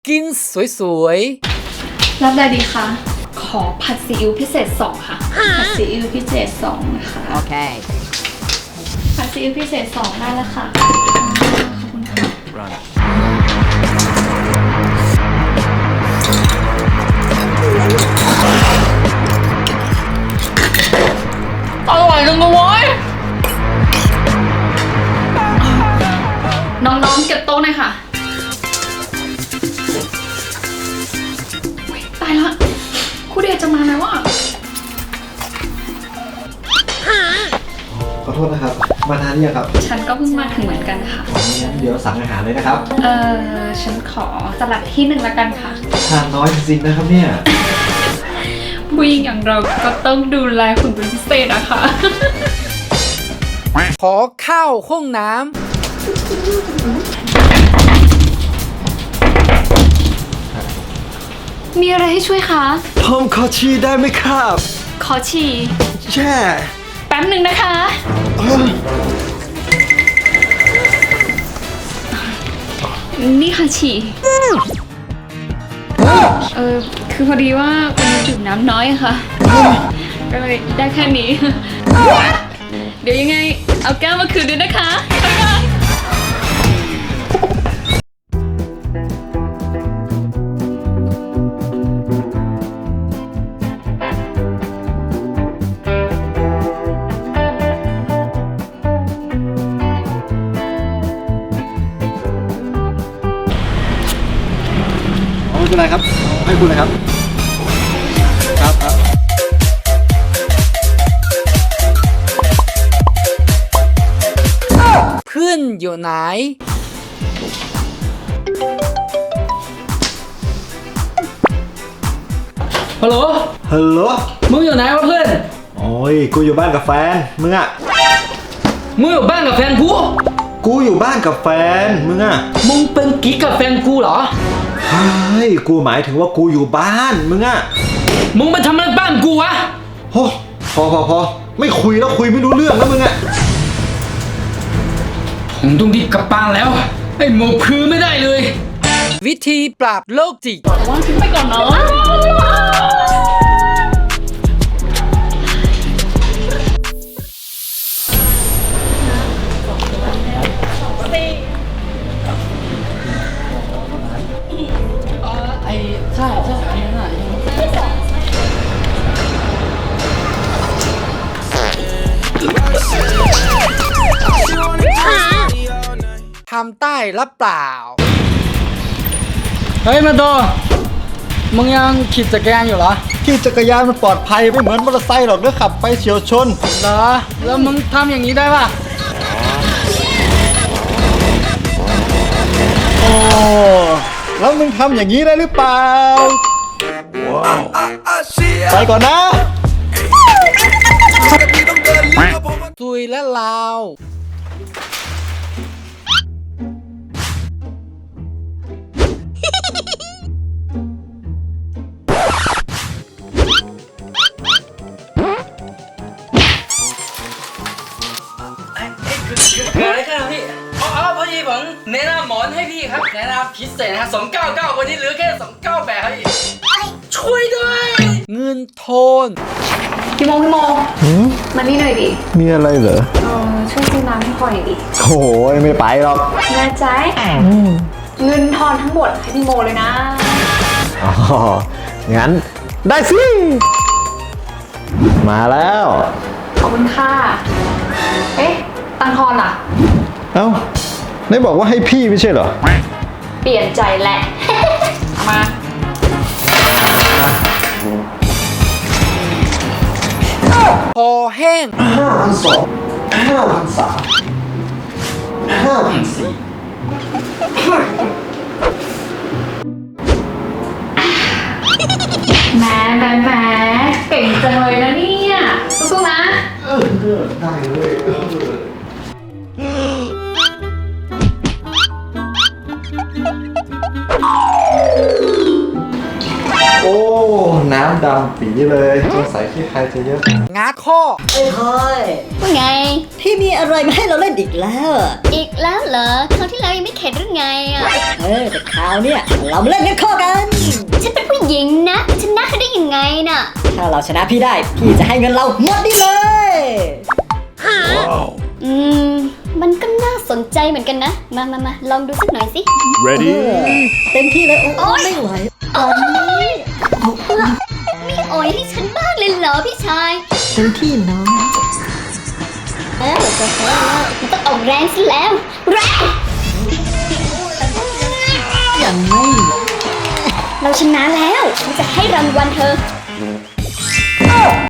กินสวยรับได้ดีคะขอผัดซีอิ๊วพิเศษ2ค่ะผัดซีอิ๊วพิเศษ2นะคะโอเคผัดซีอิ๊วพิเศษ2ได้แล้วค่ะขอบคุณค่ะอร่อยจังเลยน้องๆเก็บโต๊ะหน่อยค่ะตายละครูเดชจะมาไหมวะขอโทษนะครับ มานานยังครับฉันก็เพิ่งมาถึงเหมือนกันค่ะงั้นเดี๋ยวสั่งอาหารเลยนะครับฉันขอสลัดที่1ละกันค่ะทานน้อยจริงๆนะครับเนี่ยผู้หญิงอย่างเราก็ต้องดูแลคุณเป็นพิเศษนะคะๆ ขอข้าวห้องน้มีอะไรให้ช่วยคะผมขอชีได้ไหมครับขอฉี่แช่แป๊บหนึ่งนะคะ นี่ค่ะฉี่คือพอดีว่าวันนี้ดื่มน้ำน้อยอะค่ะ ก็เลยได้แค่นี้ เดี๋ยวยังไง เอาแก้วมาคืนด้วยนะคะบ๊ายบายไม่เป็นไรครับเอาให้คุณเลยครับ ครับครับำ เพื่อนอยู่ไหนฮัลโหลฮัลโหลมึงอยู่ไหนวะเพื่อนโอ้ย กูอยู่บ้านกับแฟน มึงอะมึงอยู่บ้านกับแฟนกูกูอยู่บ้านกับแฟน มึงอะมึงเป็นกิ๊กกับแฟนกูเหรอเฮ้ย กูหมายถึงว่ากูอยู่บ้าน มึงอะมึงไปทำอะไรบ้านกูวะโอ้พอ ไม่คุยแล้วคุยไม่รู้เรื่องแล้วมึงอะผมต้องรีบกลับบ้านแล้ว ไอ้หมกพือไม่ได้เลยวิธีปราบโรคจิตว่างทิ้งไปก่อนเนาะไอ้ใช่อันนั้นอ่ะทำใต้รับเปล่าเฮ้ยมาโตมึงยังขี่จักรยานอยู่เหรอขี่จักรยานมันปลอดภัยไม่เหมือนมอเตอร์ไซค์หรอกเด้อขับไปเฉียวชนเหรอ แล้วมึงทำอย่างนี้ได้ป่ะโอ้แล้วมึงทำอย่างนี้ได้หรือเปล่า ไปก่อนนะซุยและลาวเกิดอะไรขึ้นครับพี่พอดีผมแนะนำหมอนให้พี่ครับ แนะนำพิเศษนะครับ299วันนี้เหลือแค่298ครับพี่ช่วยด้วยเงินโทนพี่โมมานี่หน่อยดิมีอะไรเหรอช่วยซื้อน้ำให้พ่อหน่อยดิโอ้ยไม่ไปหรอกแน่ใจเงินทอนทั้งหมดให้พี่โมเลยนะอ๋อ งั้นได้สิ มาแล้วขอบคุณค่ะ เอ๊ะ ตังทอนล่ะเอ้าได้บอกว่าให้พี่ไม่ใช่เหรอเปลี่ยนใจแหละ เอามาคอแห้งแหมเก่งจังเลยนะเนี่ยสู้ๆนะได้เลย โอ้ น้ำดำปีเลยสงสัยที่ใครจะเยอะงัดข้อเอ้ยคอยว่าไงพี่มีอะไรมาให้เราเล่นอีกแล้วอะอีกแล้วเหรอคราวที่แล้วยังไม่เข็ดหรือไงอ่ะแต่คราวเนี้ยเรามาเล่นกันข้อกันฉันเป็นผู้หญิงนะชนะเขาได้ยังไงน่ะถ้าเราชนะพี่ได้ พี่จะให้เงินเราหมดนี่เลยมันก็น่าสนใจเหมือนกันนะ มาลองดูสักหน่อยสิ Ready? เต็มที่เลยโอ้ไม่ไหวตอนนี้ไม่อ่อยให้ฉันบ้างเลยเหรอพี่ชายเต็มที่น้องแล้วจะแพ้แล้วมันต้องออกแรงสิแล้ว แรงยังไม่เราชนะแล้วฉันจะให้รางวัลเธอ